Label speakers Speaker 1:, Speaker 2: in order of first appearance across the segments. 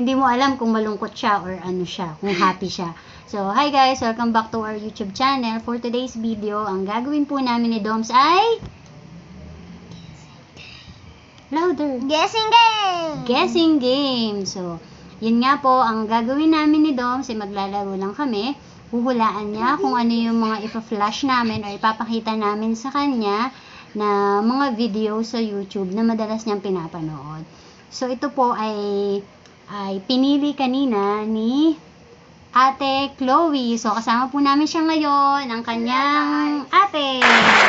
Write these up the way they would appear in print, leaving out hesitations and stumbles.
Speaker 1: hindi mo alam kung malungkot siya or ano siya, kung happy siya. So, hi guys! Welcome back to our YouTube channel. For today's video, ang gagawin po namin ni Doms ay... Louder!
Speaker 2: Guessing game!
Speaker 1: Guessing game! So, yun nga po, ang gagawin namin ni Doms ay maglalaro lang kami. Huhulaan niya kung ano yung mga ipa-flash namin o ipapakita namin sa kanya na mga video sa YouTube na madalas niyang pinapanood. So, ito po ay pinili kanina ni Ate Chloe. So, kasama po namin siya ngayon, ang kanyang ate.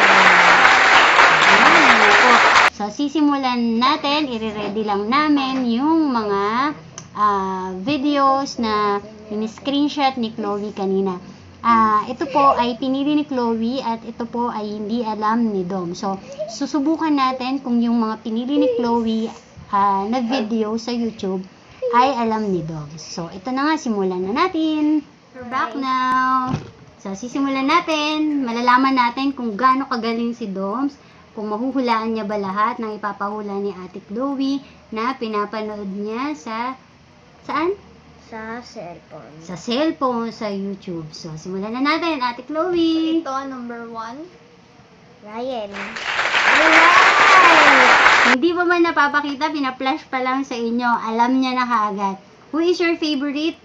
Speaker 1: Ayan po. So, sisimulan natin, i-ready lang namin yung mga videos na in-screenshot ni Chloe kanina. Ito po ay pinili ni Chloe at ito po ay hindi alam ni Dom. So, susubukan natin kung yung mga pinili ni Chloe na video sa YouTube ay alam ni Dom. So, ito na nga, simulan na natin. We're back now. So, sisimulan natin. Malalaman natin kung gaano kagaling si Doms, kung mahuhulaan niya ba lahat ng ipapahula ni Ate Chloe na pinapanood niya sa... Saan?
Speaker 2: Sa cellphone.
Speaker 1: Sa cellphone, sa YouTube. So, simulan na natin, Ate Chloe.
Speaker 3: Ito, number 1.
Speaker 2: Ryan.
Speaker 1: Alright! Hindi pa man napapakita, pina-flash pa lang sa inyo. Alam niya na kaagad. Who is your favorite?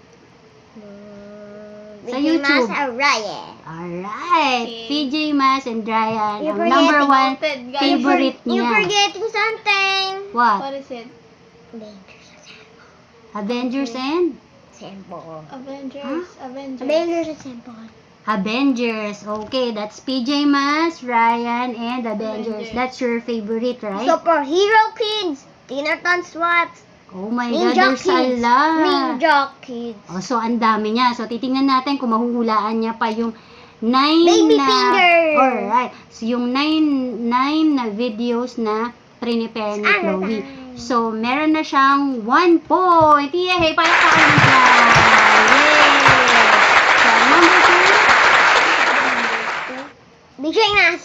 Speaker 1: Sa YouTube.
Speaker 2: Mas Ryan.
Speaker 1: Alright!
Speaker 3: Okay.
Speaker 1: PJ Mas and Ryan.
Speaker 2: You're
Speaker 1: Ang number
Speaker 3: forgetting
Speaker 1: 1
Speaker 3: noted, guys.
Speaker 1: favorite
Speaker 2: You're
Speaker 1: niya.
Speaker 2: forgetting something.
Speaker 1: What?
Speaker 3: What is it?
Speaker 1: Avengers and?
Speaker 2: Cellphone.
Speaker 3: Avengers. Avengers.
Speaker 2: Avengers and cellphone.
Speaker 1: Avengers. Okay, that's PJ Mas, Ryan, and Avengers.
Speaker 3: Avengers.
Speaker 1: That's your favorite, right?
Speaker 2: Superhero Kids. Teen Titans Swat.
Speaker 1: Oh my God,
Speaker 2: Ninja
Speaker 1: there's a
Speaker 2: Kids.
Speaker 1: lot.
Speaker 2: Ninja Kids.
Speaker 1: Oh, so, ang dami niya. So, titingnan natin kung mahuhulaan niya pa yung 9
Speaker 2: Baby
Speaker 1: na...
Speaker 2: finger.
Speaker 1: Alright. So, yung 9 na videos na prepare ni
Speaker 2: Ano
Speaker 1: Chloe.
Speaker 2: ba?
Speaker 1: So, meron na siyang 1 point. Yay! Palakpakan na siya. Yay! So, number 2.
Speaker 2: BJ Mas.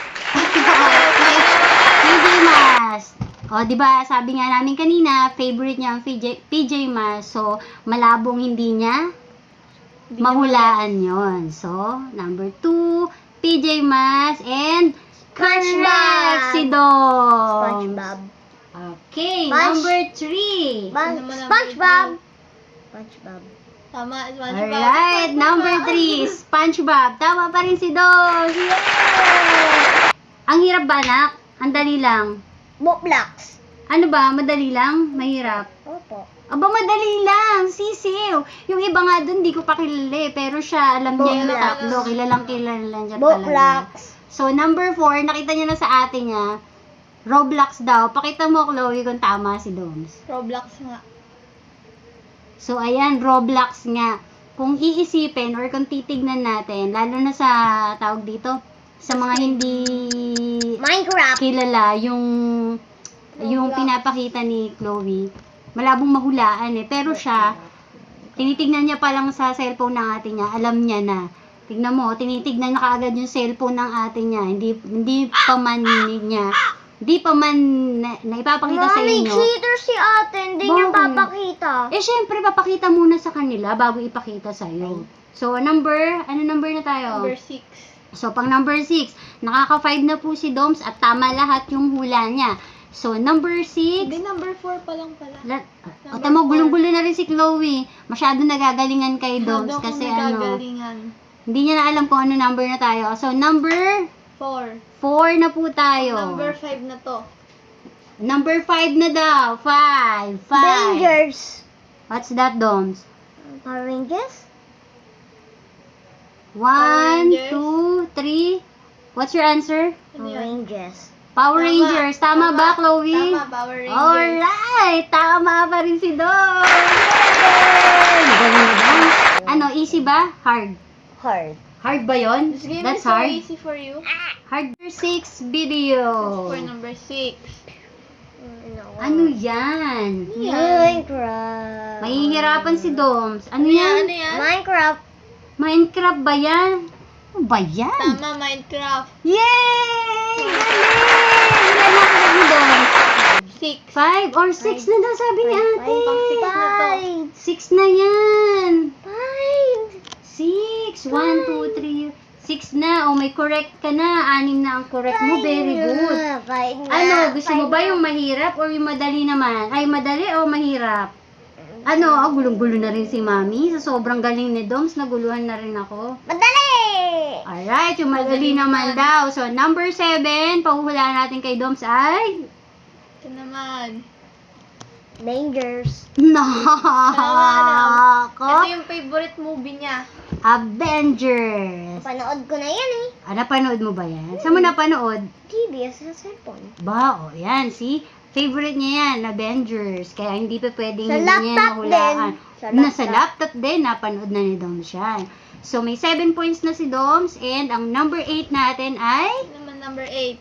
Speaker 1: PJ Mas. O, di ba sabi nga namin kanina, favorite niya ang PJ Mas. So, malabong hindi niya mahulaan yon. So, number 2, PJ Mas and correct si Dom.
Speaker 2: SpongeBob.
Speaker 1: Okay,
Speaker 2: Sponge-
Speaker 1: number 3.
Speaker 3: Ano naman ang
Speaker 2: SpongeBob. SpongeBob.
Speaker 3: Tama, SpongeBob.
Speaker 1: Alright, number 3, SpongeBob. Tama pa rin si Dom. Yay! Ang hirap ba, anak? Ang dali lang.
Speaker 2: Roblox.
Speaker 1: Ano ba? Madali lang? Mahirap?
Speaker 2: Opo.
Speaker 1: Aba, madali lang. Sisiw. Yung iba nga dun, di ko pa kilala eh. Pero siya, alam niya yung
Speaker 2: Roblox.
Speaker 1: tatlo. Kilalang kilala niya talaga.
Speaker 2: Roblox.
Speaker 1: So, number 4, nakita niya na sa ate niya. Roblox daw. Pakita mo, Chloe, kung tama si Doms.
Speaker 3: Roblox nga.
Speaker 1: So, ayan, Roblox nga. Kung iisipin or kung titignan natin, lalo na sa tawag dito, sa mga hindi
Speaker 2: Minecraft.
Speaker 1: kilala, yung
Speaker 3: Roblox.
Speaker 1: pinapakita ni Chloe, malabong mahulaan eh. Pero siya, tinitignan niya pa lang sa cellphone ng ate niya, alam niya na. Tignan mo, tinitignan na kaagad yung cellphone ng ate niya. Hindi pa man naipapakita sa
Speaker 2: Mami,
Speaker 1: inyo.
Speaker 2: cheater si ate. Hindi niya
Speaker 1: Bakit?
Speaker 2: papakita.
Speaker 1: Eh, syempre, papakita muna sa kanila bago ipakita sa'yo. So, ano number na tayo?
Speaker 3: Number 6.
Speaker 1: So, pang number 6, nakaka-5 na po si Doms at tama lahat yung hula niya. So, number 6,
Speaker 3: Hindi, number 4 pa lang pala.
Speaker 1: o tamo, gulong-gulo na rin si Chloe. Masyado nagagalingan kay Doms
Speaker 3: Masyado
Speaker 1: kasi
Speaker 3: akong nagagalingan.
Speaker 1: hindi niya na alam kung ano number na tayo. So, number
Speaker 3: 4.
Speaker 1: 4 na po tayo.
Speaker 3: Number 5 na to.
Speaker 1: Number 5 na daw. 5.
Speaker 2: Rangers.
Speaker 1: What's that, Doms?
Speaker 2: Power Rangers?
Speaker 1: 1,
Speaker 3: Rangers.
Speaker 1: 2, 3. What's your answer?
Speaker 3: Ano
Speaker 2: Power
Speaker 3: yan?
Speaker 2: Rangers.
Speaker 1: Power
Speaker 3: Tama.
Speaker 1: Rangers. Tama ba, Chloe?
Speaker 3: Tama, Power Rangers.
Speaker 1: Alright! Tama pa rin si Dom! Yay! Galing na ba? Ano, easy ba? Hard?
Speaker 2: Hard.
Speaker 1: Hard ba yun?
Speaker 3: This game
Speaker 1: That's
Speaker 3: is so
Speaker 1: hard?
Speaker 3: easy for you.
Speaker 1: Hard. Number 6 video.
Speaker 3: For number 6.
Speaker 1: Ano yan?
Speaker 2: Minecraft.
Speaker 1: Mahihirapan si Doms. Ano yan?
Speaker 3: Ano yan?
Speaker 2: Minecraft.
Speaker 1: Minecraft ba yan? Ano ba yan?
Speaker 3: Tama, Minecraft.
Speaker 1: Yay! Galing! Ilan na ako ni Doms?
Speaker 3: 6.
Speaker 1: 5 or 6 na daw sabi ni ate.
Speaker 3: Pang 6 na to.
Speaker 1: 6 na yan. 6.
Speaker 2: 5.
Speaker 1: 1, 2, 3. 6 na. Oh, may correct ka na. 6 na ang correct mo. Very good. Ano, gusto mo ba yung mahirap or yung madali naman? Ay, madali o mahirap? Ano, gulong-gulo na rin si Mami. Sa sobrang galing ni Doms, naguluhan na rin ako.
Speaker 2: Madali!
Speaker 1: Alright, yung madali naman daw. So, number 7, pahuhulaan natin kay Doms ay...
Speaker 3: Ito naman.
Speaker 2: Dangers.
Speaker 1: Nako!
Speaker 3: Ito yung favorite movie niya.
Speaker 1: Avengers.
Speaker 2: Panood ko na yan eh.
Speaker 1: Napanood mo ba yan? Saan mo napanood?
Speaker 2: TV sa cellphone.
Speaker 1: Ba, yan, see? Favorite niya yan, Avengers. Kaya hindi pa pwedeng
Speaker 2: Sa
Speaker 1: hindi niya
Speaker 2: laptop
Speaker 1: mahulaan.
Speaker 2: din.
Speaker 1: Nasa laptop din, napanood na ni Doms yan. So, may 7 points na si Doms. And ang number 8 natin ay...
Speaker 3: Ito naman number 8.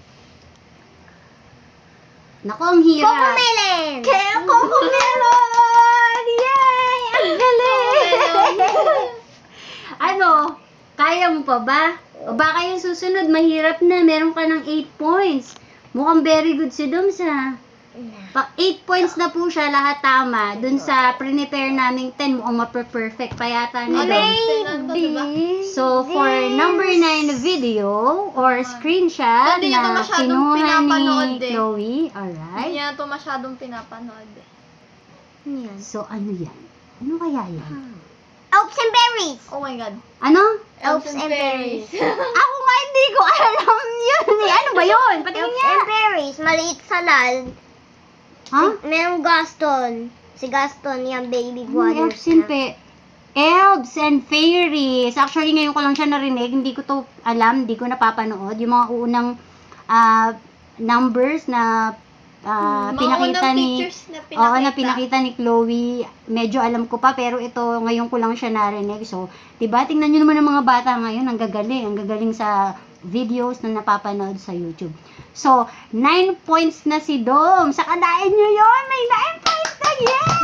Speaker 1: Naku, ang hirap.
Speaker 2: Cocomelon!
Speaker 1: Kaya Cocomelon! Yay! Ang galing! Ano? Kaya mo pa ba? O baka yung susunod, mahirap na. Meron ka ng 8 points. Mukhang very good si Doms, ha? 8 points na po siya, lahat tama. Dun sa prepare naming 10, mukhang ma-perfect pa yata ni Doms. So, for number 9 na video or screenshot
Speaker 3: Hindi niya to
Speaker 1: na
Speaker 3: masyadong
Speaker 1: kinuha
Speaker 3: pinapanood
Speaker 1: ni
Speaker 3: eh.
Speaker 1: Chloe,
Speaker 3: Hindi
Speaker 1: alright.
Speaker 3: niya ito masyadong pinapanood.
Speaker 2: Yan.
Speaker 1: So, ano yan? Ano kaya yan?
Speaker 2: Elves and berries.
Speaker 3: Oh my God.
Speaker 1: Ano?
Speaker 2: Elves and berries.
Speaker 1: Ako nga hindi ko alam yun eh. Ano ba yun? Patingin
Speaker 2: Elves
Speaker 1: niya.
Speaker 2: and berries. Maliit sa lal.
Speaker 1: Ha?
Speaker 2: Merong Gaston. Si Gaston, yung baby
Speaker 1: Ano,
Speaker 2: brothers
Speaker 1: elves and elves and fairies. Actually, ngayon ko lang siya narinig. Hindi ko to alam. Hindi ko napapanood. Yung mga unang numbers na pinakita
Speaker 3: unang
Speaker 1: ni...
Speaker 3: pictures na pinakita.
Speaker 1: Oo, na pinakita ni Chloe. Medyo alam ko pa, pero ito, ngayon ko lang siya narinig. So, diba, tingnan nyo naman ang mga bata ngayon. Ang gagaling. Ang gagaling sa videos na napapanood sa YouTube. So, 9 points na si Dom. Sa kadain nyo yun, may 9 points na. Yay!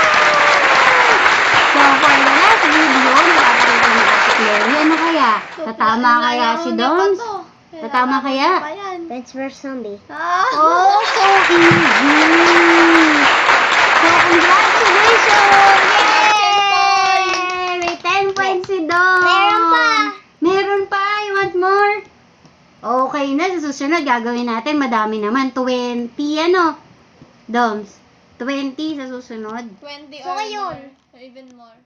Speaker 1: So, for the last video, napapanood ni Ate Chloe. Ano kaya? Tatama kaya si Dom? Tatama kaya?
Speaker 2: Plants vs. Zombie.
Speaker 1: Oh, so easy! So, congratulations! Yay! May 10 points si Dom!
Speaker 2: Meron pa!
Speaker 1: Meron pa! You want more? Okay na, sa susunod gagawin natin. Madami naman. 20, ano? Doms? 20 sa susunod.
Speaker 3: 20
Speaker 2: So,
Speaker 3: or
Speaker 2: ngayon.
Speaker 3: more. Or even more.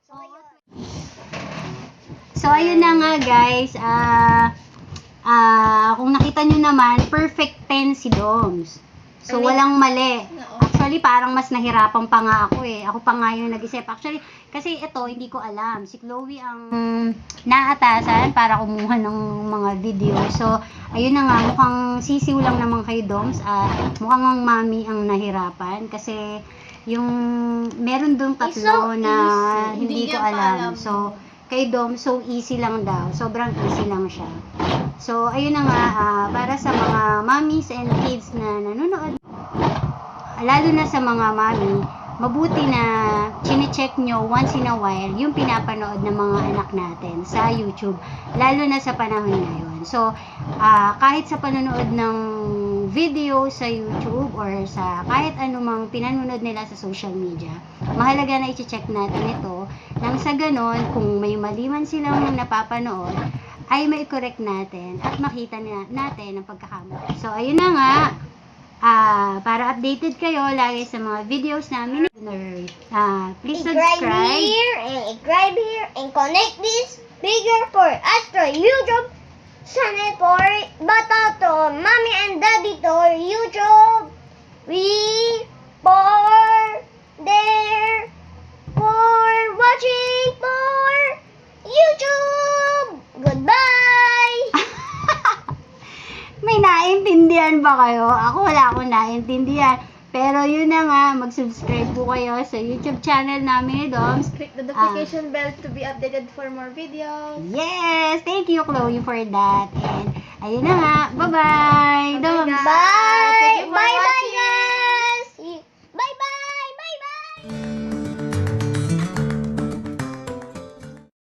Speaker 1: So, ayun na nga guys. Kung nakita nyo naman, perfect 10 si Doms. So, walang mali.
Speaker 3: Oo.
Speaker 1: Actually, parang mas nahirapan pa nga ako eh. Ako pa nga yung nag-isip. Actually, kasi ito, hindi ko alam. Si Chloe ang naatasan para kumuha ng mga video. So, ayun na nga, mukhang sisiw lang naman kay Doms. Mukhang ang mami ang nahirapan. Kasi, yung meron doon
Speaker 2: It's
Speaker 1: tatlo
Speaker 2: so
Speaker 1: na
Speaker 3: easy.
Speaker 1: hindi
Speaker 3: Hindi
Speaker 1: ko
Speaker 3: niya pa
Speaker 1: alam.
Speaker 3: alam.
Speaker 1: So, kay Dom, so easy lang daw. Sobrang easy lang siya. So, ayun na nga, para sa mga mommies and kids na nanonood, lalo na sa mga mommy, mabuti na chine-check nyo once in a while yung pinapanood ng mga anak natin sa YouTube, lalo na sa panahon ngayon. So, kahit sa panonood ng video sa YouTube or sa kahit anumang pinanonood nila sa social media, mahalaga na i-check natin ito nang sa ganon, kung may mali man silang napapanood, ay mai-correct natin at makita natin ang pagkakamali. So, ayun na nga, para updated kayo lagi sa mga videos namin, please subscribe.
Speaker 2: I-subscribe here, and connect this bigger for Astro YouTube channel for Batato, Mommy and Daddy to YouTube. We for there for watching for YouTube. Goodbye.
Speaker 1: May naintindihan ba kayo? Ako wala akong naintindihan. Pero yun na nga, mag-subscribe po kayo sa YouTube channel namin ni Doms.
Speaker 3: Click the notification bell to be updated for more videos.
Speaker 1: Yes! Thank you, Chloe, for that. And ayun na nga. Bye-bye! Doms!
Speaker 2: Bye.
Speaker 3: Thank you for
Speaker 2: Bye.
Speaker 3: watching.